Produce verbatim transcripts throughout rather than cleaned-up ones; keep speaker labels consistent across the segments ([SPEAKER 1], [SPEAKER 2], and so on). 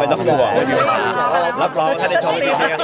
[SPEAKER 1] ต้องห่วงรับรองถ้าได้ชมดีกัน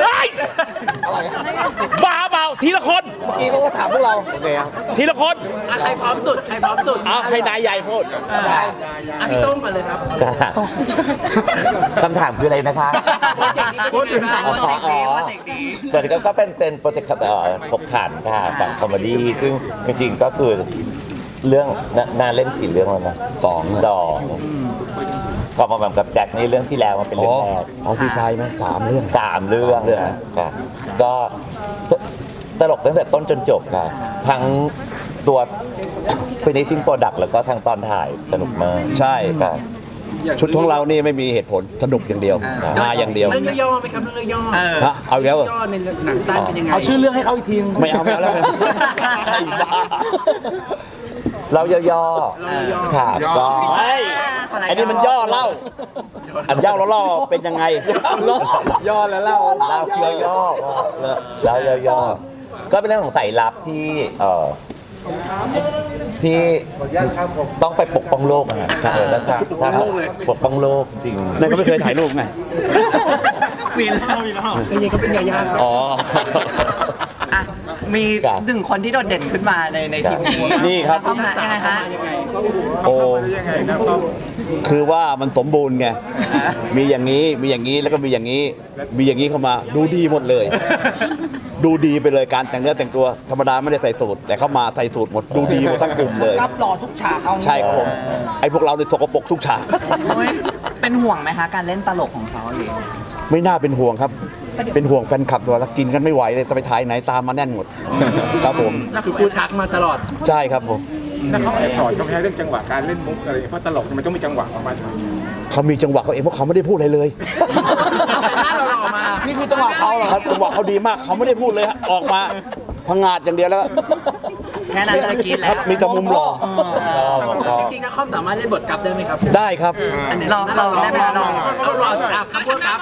[SPEAKER 1] บ้าเปล่าทีละคน
[SPEAKER 2] เมื่อกี้เขาก็ถามพวกเราโอเคครับ
[SPEAKER 1] ทีละคน
[SPEAKER 3] ใครพร้อมสุดใครพร้อมสุด
[SPEAKER 1] เอาให้นายใหญ่พูด
[SPEAKER 3] อ่ะพี่โต้งก่อนเลยครับ
[SPEAKER 4] คำถามคืออะไรนะคะ
[SPEAKER 3] โปรเจกต์นี้เป็นยังไงบ้างโปรเจกต์นี้โปรเจกต์นี้
[SPEAKER 4] เปิดก็เป็นเป็นโปรเจกต์เอ่อขบขันค่ะฝั่งคอมเมดี้ซึ่งจริงๆก็คือเรื่องนน่าเล่นกี่เรื่องแล้วนะสองสองก็มาแบบกับแจ็คนี่เรื่องที่แล้วมันเป็นเรื่องแรก
[SPEAKER 1] เอาที่ไฟไหมสามเรื่อง
[SPEAKER 4] สามเรื่องค่ะก็ตลกตั้งแต่ต้นจนจบค่ะทั้งตัวเป็นนิชิงโปรดักต์แล้วก็ทางตอนถ่ายสนุกมาก
[SPEAKER 1] ใช่
[SPEAKER 4] ค่ะ
[SPEAKER 1] ชุดของเรานี่ไม่มีเหตุผลสนุกอย่างเดียวมาอย่างเดียว
[SPEAKER 3] เรื่องย่อๆไหมครับเรื่องย่อๆ
[SPEAKER 1] ฮะเอาอีกแล้วเหรอ
[SPEAKER 3] ย่อในหนังสั้นเป็นยังไง
[SPEAKER 2] เอาชื่อเรื่องให้เขาอีกทีนึง
[SPEAKER 1] ไม่เอาไม่เอาแล้วกันไอ้บ้า
[SPEAKER 4] เราย่อๆค่ะก็
[SPEAKER 1] เฮ้ยไอ้นี่มันย่อเล่าอันย่อแล้วเล่าเป็นยังไง
[SPEAKER 2] ย่อแล้วเล่า
[SPEAKER 4] เราย่อๆเราย่อๆก็เป็นเรื่องของสายลับที่เอ่อที่ต้องไปปกป้องโลกนะเออถ้าถ้าปกป้องโลกจริง
[SPEAKER 1] นั่นก็ไม่เคยถ่ายรูปไง
[SPEAKER 3] วีนแล้ววีนแล้วจริงๆก็เป็นยาย่าครับ
[SPEAKER 1] อ๋อ
[SPEAKER 5] อ่ะมีหนึ่งคนที่โดดเด่นขึ้นมาในในทีมนี้
[SPEAKER 1] นี่ครับ
[SPEAKER 5] ต้องมายังไงฮะ
[SPEAKER 1] โอ้คือว่ามันสมบูรณ์ไง มีอย่างนี้ มีอย่างนี้ แล้วก็มีอย่างนี้ มีอย่างนี้เข้ามา ดูดีหมดเลย ดูดีไปเลยการแต่งเนื้อแต่งตัว ธรรมดาไม่ได้ใส่สูทแต่เข้ามาใส่สูทหมด ดูดีหมดทั้งกลุ่มเลย
[SPEAKER 2] กับหล่อทุกฉากเอา
[SPEAKER 1] ใช่ครับผม ไอ้พวกเราเนี่ยสกปรกทุกฉาก
[SPEAKER 5] โอ้ยเป็นห่วงไหมคะการเล่นตลกของเขาหรือ
[SPEAKER 1] ไม่น่าเป็นห่วงครับ เป็นห่วงแฟนคลับตัวละกินกันไม่ไหวเลยจะไปถ่ายไหนตามมาแน่นหมด ครับผม
[SPEAKER 3] คือฟูดทักมาตลอด
[SPEAKER 1] ใช่ครับผม
[SPEAKER 6] แล้วเขาแอบสอนเขาไม่ให้เรื่องจังหวะการเล่นมุกอะไรเพราะตลกมันต้องมีจังหวะของมัน
[SPEAKER 1] เขามีจังหวะเขาเองเพราะเขาไม่ได้พูดอะไรเลย
[SPEAKER 3] หน้าเราหล่อมา
[SPEAKER 2] นี่คือจังหวะเขาเหรอ
[SPEAKER 1] ครับจังหวะเขาดีมากเขาไม่ได้พูดเลยฮะออกมาพังงาดอย่างเดียวแล้ว
[SPEAKER 5] แค่นั้นเลยกิน
[SPEAKER 1] ค
[SPEAKER 5] แล้
[SPEAKER 1] รั
[SPEAKER 5] ว
[SPEAKER 1] บมีแต่มุมหล่อ
[SPEAKER 3] จริงๆนะคอมสามารถเล่นบทกลับได้ไหมครับ
[SPEAKER 1] ได้ครับ
[SPEAKER 3] อันไหน
[SPEAKER 5] ลองลองได้ไหมคะลอง
[SPEAKER 3] เอาลองอ่ะครับพวกครับ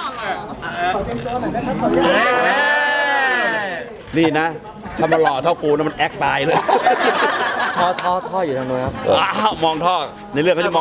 [SPEAKER 1] นี่นะถ้ามันหล่อเท่ากูนะมันแอคตายเลย
[SPEAKER 2] ท่อท่อท่ออยู่ทางโน้นครับ
[SPEAKER 1] อ้าวมองท่อในเรื่องเขาจะมอง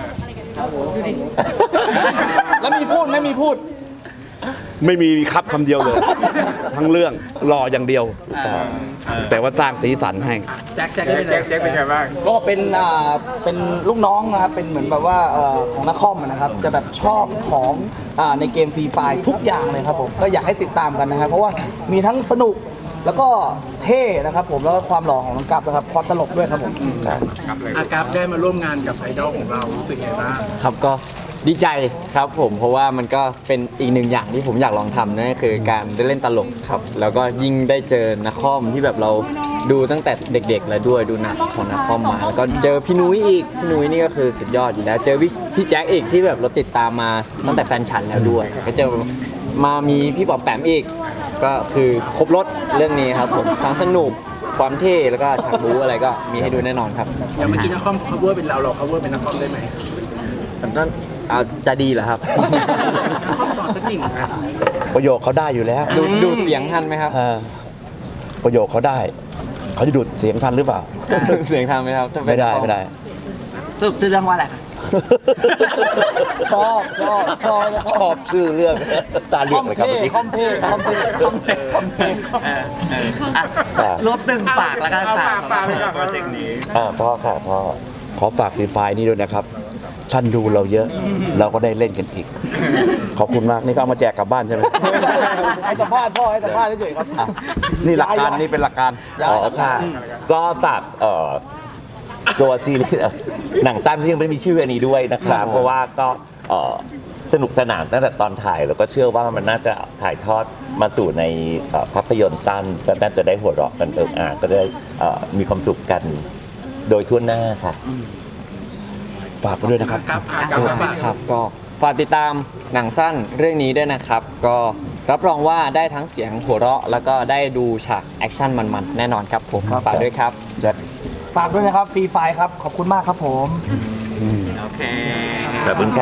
[SPEAKER 2] แล้วมีพูดไม่มีพูด
[SPEAKER 1] ไม่มีครับคำเดียวเลย ทั้งเรื่องหล่ออย่างเดียว แต่ว่าสร้างสีสันให้
[SPEAKER 3] แจ็คแจ็ค
[SPEAKER 6] แจ็
[SPEAKER 3] ได้
[SPEAKER 6] ค
[SPEAKER 3] เป็น
[SPEAKER 6] แจ็คแจ็คเป็นไงบ้าง
[SPEAKER 2] ก็เป็นอ่าเป็นลูกน้องนะครับเป็นเหมือนแบบว่าเอ่อของนักคอมนะครับจะแบบชอบของอ่าในเกมฟรีไฟทุกอย่างเลยครับผมก็อยากให้ติดตามกันนะครับเพราะว่ามีทั้งสนุกแล้วก็เท่นะครับผมแล้วก็ความหล่อของน้องกัปนะครับความตลกด้วยครับผม
[SPEAKER 3] อากับได้มาร่วมงานกับไอดอลของเรารู้สึกไงบ้าง
[SPEAKER 7] ครับก็ดีใจครับผมเพราะว่ามันก็เป็นอีกหนึ่งอย่างที่ผมอยากลองทำนั่นก็คือการได้เล่นตลกครับแล้วก็ยิ่งได้เจอนักคอมที่แบบเราดูตั้งแต่เด็กๆแล้วด้วยดูหนังของนักคอมมาแล้วก็เจอพี่นุ้ยอีกพี่นุ้ยนี่ก็คือสุดยอดอยู่แล้วเจอพี่พี่แจ็คอีกที่แบบเราติดตามมาตั้งแต่แฟนฉันแล้วด้วยก็เจอมามีพี่ปอบแปมอีกก็คือครบรถเรื่องนี้ครับผมทั้งสนุกความเท่แล้วก็ฉากบู๊อะไรก็มีให้ดูแน่นอนครับ
[SPEAKER 3] อย่างเมื่อกี้นักคอม cover เป็นเราเรา cover เป็นนักคอมได้ไหม
[SPEAKER 7] นั่นเอาจะดีเหรอครับ
[SPEAKER 3] นักคอมสอนสักหนึ่งนะ
[SPEAKER 1] ประโยคเขาได้อยู่แล้ว
[SPEAKER 7] ดูดูเสียงทันไหมครับ
[SPEAKER 1] เออประโยคเขาได้ เขาจะดูดเสียงทันหรือเปล่า
[SPEAKER 7] เสียงทันไหมครับถ้าเป็น
[SPEAKER 1] ไม่ได้
[SPEAKER 7] กล้อง
[SPEAKER 1] ไม่ได้
[SPEAKER 5] สรุปชื่อเรื่องว่าอะไรคะ
[SPEAKER 2] ชอบชอบชอบ
[SPEAKER 1] ชอบชื่อเรื่องตาเหลื
[SPEAKER 2] ค
[SPEAKER 1] อ
[SPEAKER 2] อก ม
[SPEAKER 1] เลยครับ
[SPEAKER 2] เท่
[SPEAKER 1] เมื่อกี้
[SPEAKER 2] คอมเท่คอมเท่คอมเท่คอมเท่
[SPEAKER 5] อ่ะรวบตึงฝากแล้วกัน
[SPEAKER 6] เอา
[SPEAKER 5] ฝา
[SPEAKER 6] ฝาก กฝากเลยครับโปรเจกต์นี้
[SPEAKER 4] อ่าพ่อค่ะพ่อ
[SPEAKER 1] ขอฝากฟรีไฟล์นี้ด้วยนะครับ ท่านดูเราเยอะ เราก็ได้เล่นกันอีก ขอบคุณมาก นี่ก็เอามาแจกกลับบ้านใช่ไหม
[SPEAKER 2] ให้สัมภาษณ์พ่อให้สัมภาษณ์เฉยๆครับ
[SPEAKER 1] อ่ะนี่หลักการนี่เป็นหลักการ
[SPEAKER 4] อ๋อค่ะ ก็ฝากเอ่อตัวซีรีส์เอ่อหนังสั้นที่ยังไม่มีชื่ออันนี้ด้วยนะครับ เพราะว่าก็เอ่อสนุกสนานตั้งแต่ตอนถ่าย แล้วก็เชื่อว่ามันน่าจะถ่ายทอดมาสู่ในเอ่อภาพยนตร์สั้นก็น่าจะได้หัวเราะกันเอิงอ่างก็ได้เอ่อมีความสุขกันโดยทั่วหน้าค่ะ
[SPEAKER 1] ฝากไปด้วยนะครับ
[SPEAKER 3] กับอากับฝาก
[SPEAKER 7] ครับก็ฝากติดตามหนังสั้นเรื่องนี้ด้วยนะครับ ก็รับรองว่าได้ทั้งเสียงหัวเราะ แล้วก็ได้ดูฉากแอคชั่นมันๆ แน่นอนครับผมฝากด้วยครับ
[SPEAKER 2] ฝากด้วยนะครับฟรีไฟครับ ขอบคุณมากครับผม
[SPEAKER 5] โอเค
[SPEAKER 4] ขอบคุณครับ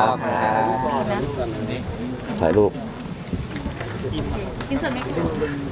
[SPEAKER 1] ถ่ายรูป